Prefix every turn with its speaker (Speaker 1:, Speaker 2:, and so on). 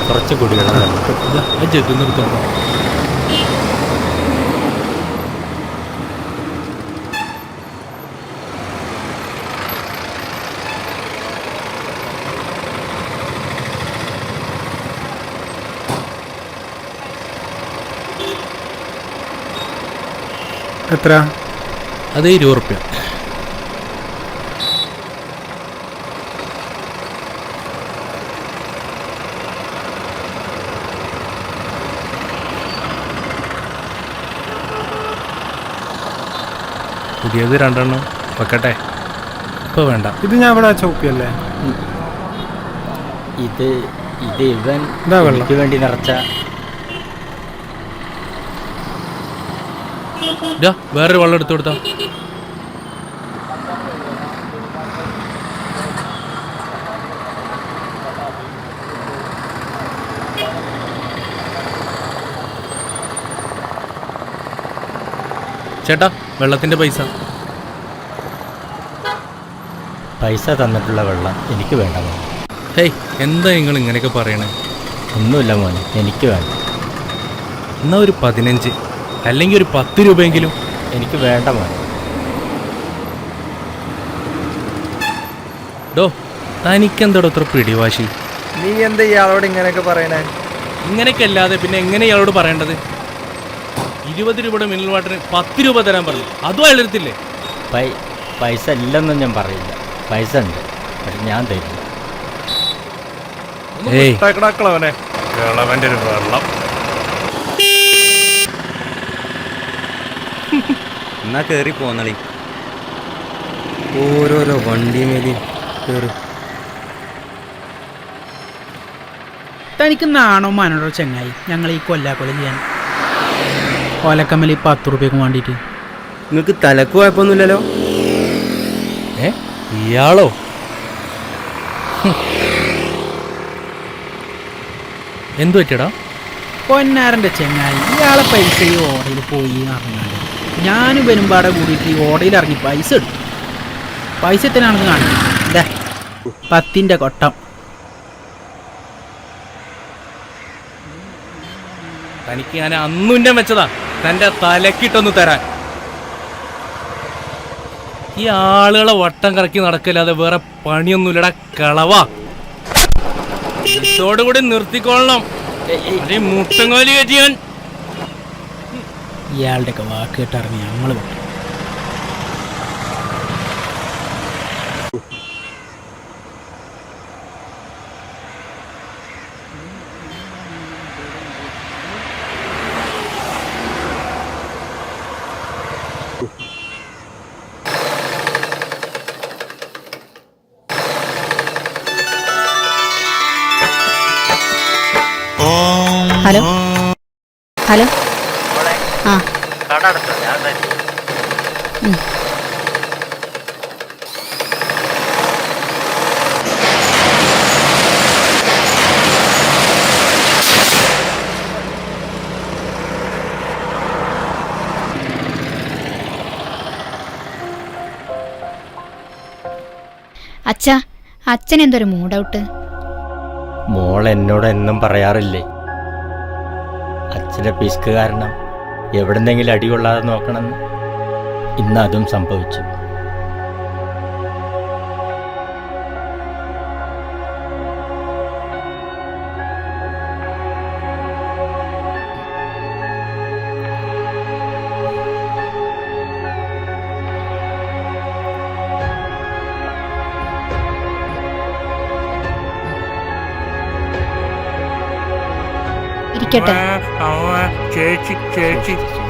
Speaker 1: കുറച്ച് കുടിവെള്ളം
Speaker 2: ജഗ് നിർത്തും.
Speaker 3: എത്ര?
Speaker 2: അത് 20 റുപ്യ. പുതിയത് 2 എണ്ണം വെക്കട്ടെ? ഇപ്പോൾ വേണ്ട.
Speaker 3: ഇത് ഞാൻ ഇവിടെ ചോപ്പിയല്ലേ?
Speaker 1: ഇത് ഇവൻ
Speaker 3: വെള്ളം
Speaker 1: വേണ്ടി നിറച്ച.
Speaker 2: വേറൊരു വെള്ളം എടുത്തു കൊടുത്താ. ചേട്ടാ, വെള്ളത്തിന്റെ പൈസ.
Speaker 1: പൈസ തന്നിട്ടുള്ള വെള്ളം എനിക്ക് വേണ്ട മോനെ.
Speaker 2: ഹേയ്, എന്താ നിങ്ങൾ ഇങ്ങനെയൊക്കെ പറയണേ?
Speaker 1: ഒന്നുമില്ല മോനെ, എനിക്ക് വേണ്ട.
Speaker 2: എന്നാ ഒരു 15 അല്ലെങ്കിൽ ഒരു 10 രൂപയെങ്കിലും.
Speaker 1: എനിക്ക് വേണ്ട മോനെ.
Speaker 2: ഡോ, തനിക്കെന്തോടെ അത്ര പിടിവാശി?
Speaker 3: നീ എന്താ ഇയാളോട് ഇങ്ങനെയൊക്കെ പറയണേ?
Speaker 2: ഇങ്ങനെയൊക്കെ അല്ലാതെ പിന്നെ എങ്ങനെ ഇയാളോട് പറയേണ്ടത്? 20 രൂപയുടെ മിനറൽ വാട്ടറിന് 10 രൂപ തരാൻ പറഞ്ഞു. അതും അയാളെടുത്തില്ലേ?
Speaker 1: പൈസ ഇല്ലെന്നും ഞാൻ പറയില്ല. പൈസ ഉണ്ട്, പക്ഷെ ഞാൻ തരില്ല.
Speaker 2: ഒരു വെള്ളം.
Speaker 1: എന്നാ കേറി പോന്നളി.
Speaker 3: ഓരോരോ വണ്ടി മേലെ കയറി.
Speaker 4: തനിക്ക് നാണോ മാനോടോ ചങ്ങായി ഞങ്ങൾ ഈ കൊല്ലാക്കൊല ചെയ്യാൻ ഓലക്കമ്മൽ 10 റുപ്യക്ക് വേണ്ടിയിട്ട്?
Speaker 3: നിങ്ങൾക്ക് തലക്ക് കുഴപ്പമൊന്നുമില്ലല്ലോ?
Speaker 2: ഇയാളോ? എന്തു പറ്റിയടാ?
Speaker 4: പൊന്നാരൻ്റെ ചങ്ങായി, ഇയാളെ പൈസ ഈ ഓടയിൽ പോയി അറിഞ്ഞാൽ ഞാനും വരുമ്പാടെ കൂടിയിട്ട് ഈ ഓടയിൽ ഇറങ്ങി പൈസ എടുത്തു. പൈസ എത്രയാണെന്ന് കാണില്ല. 10ൻ്റെ കൊട്ടം.
Speaker 2: തനിക്ക് ഞാൻ അന്നുൻ്റെ വെച്ചതാ തൻ്റെ തലക്കിട്ടൊന്ന് തരാൻ. ഈ ആളുകളെ വട്ടം കറക്കി നടക്കല്ലാതെ വേറെ പണിയൊന്നുമില്ലടാ കളവാ. ഇതോടുകൂടി നിർത്തിക്കൊള്ളണം. മുട്ടങ്ങോലി കയറ്റിയാൻ.
Speaker 4: ഇയാളുടെയൊക്കെ വാക്ക് കേട്ടിറങ്ങി ഞങ്ങൾ വിട്ടു.
Speaker 5: Hello hello. ആ അച്ഛാ, അച്ഛൻ എന്തൊരു മൂഡൗട്ട്?
Speaker 1: മോൾ എന്നോട് എന്നും പറയാറില്ലേ, അച്ഛൻ്റെ പിസ്ക് കാരണം എവിടെന്തെങ്കിലും അടികൊള്ളാതെ നോക്കണമെന്ന്. ഇന്ന് അതും സംഭവിച്ചു.
Speaker 5: ഇരിക്കട്ടെ.
Speaker 2: ചേച്ചി ചേച്ചി